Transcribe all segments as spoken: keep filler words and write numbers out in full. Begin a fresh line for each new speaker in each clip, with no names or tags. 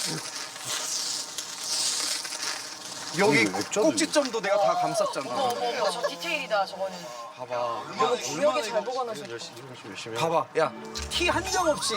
여기 꼭지점도 내가 다 감쌌잖아.
어머 어머 어머 저 디테일이다 저거는.
봐봐.
이거 기억에 잘 보관하셨어.
봐봐. 야, 티 한 점 없이.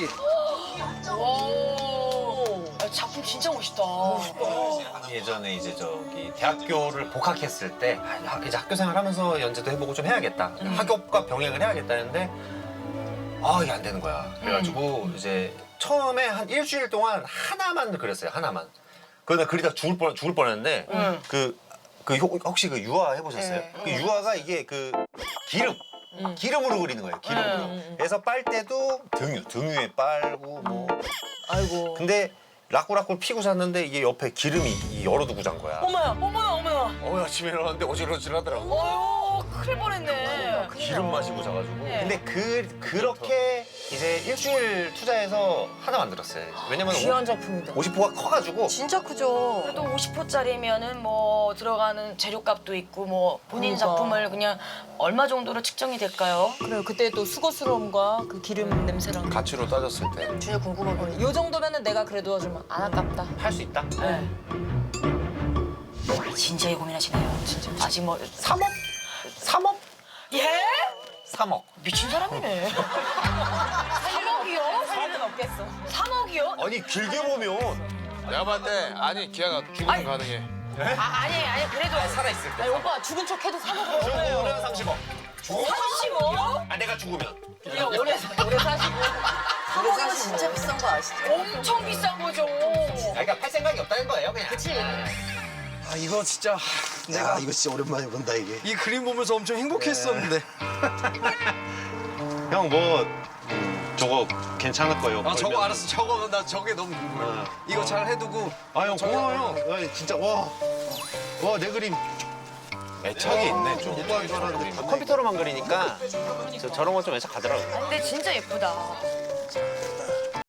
오. 야, 작품 진짜 멋있다.
예전에 이제 저기 대학교를 복학했을 때 아, 이제 학교 생활하면서 연재도 해보고 좀 해야겠다.
음.
학업과 병행을 해야겠다 했는데 아 이게 안 되는 거야. 그래가지고
음.
이제 처음에 한 일주일 동안 하나만 그렸어요. 하나만. 그러다 그리다 죽을 뻔 죽을 뻔했는데
음.
그, 그 효- 혹시 그 유화 해보셨어요?
네.
그 유화가 이게 그 기름. 기름으로 그리는 거예요. 기름으로.
음.
그래서 빨 때도 등유, 등유에 빨고 뭐.
아이고.
근데 라꾸라꾸를 피고 잤는데 이게 옆에 기름이 이 열어두고 잔 거야.
어머야 어머야 어머야.
어 아침에 일어났는데 어질어질하더라고.
어휴 큰일 뻔했네.
기름 마시고 자가지고.
네.
근데 그 그렇게 이제 일주일 투자해서 하나 만들었어요. 왜냐면
귀한 작품이다.
오십 호가 커가지고.
진짜 크죠.
그래도 오십 호짜리면은 뭐 들어가는 재료값도 있고 뭐 본인
그러니까.
작품을 그냥 얼마 정도로 측정이 될까요?
그래요. 그때 또 수고스러움과 그 기름 냄새랑.
가치로 따졌을 때 할 수
진짜 궁금하거든요. 요 정도면은 내가 그래도 좀 안 아깝다.
있다.
네. 진지하게 고민하시네요. 진짜. 아직 뭐
삼억? 삼억?
예?
삼억.
미친 사람이네. 삼억이요?
살리는 없겠어.
삼억이요?
아니 길게 보면
내가 봤을 때 아니 기아가 죽으면 가능해.
아, 아니 아니 그래도
살아있을 때.
아니 오빠 죽은 척 해도 사먹어.
죽으면 삼십억.
삼십억?
아 내가 죽으면.
야 오래 오래 사시고
사먹이면 진짜 비싼 거 아시죠?
엄청 비싼 거죠.
아 그러니까 팔 생각이 없다는 거예요 그냥.
그치.
아, 이거 진짜 내가
야, 이거 진짜 오랜만에 본다 이게.
이 그림 보면서 엄청 행복했었는데.
형 뭐 저거 괜찮을 거예요.
아, 저거 알았어. 저거 나 저게 너무 궁금해. 이거 잘 해두고.
아형 고마워요. 아, 진짜 와. 와 내 그림.
애착이 있네 좀.
오빠 이거 하는데
컴퓨터로만 그리니까 저, 저런 거 좀 애착 가더라고요.
근데 진짜 예쁘다.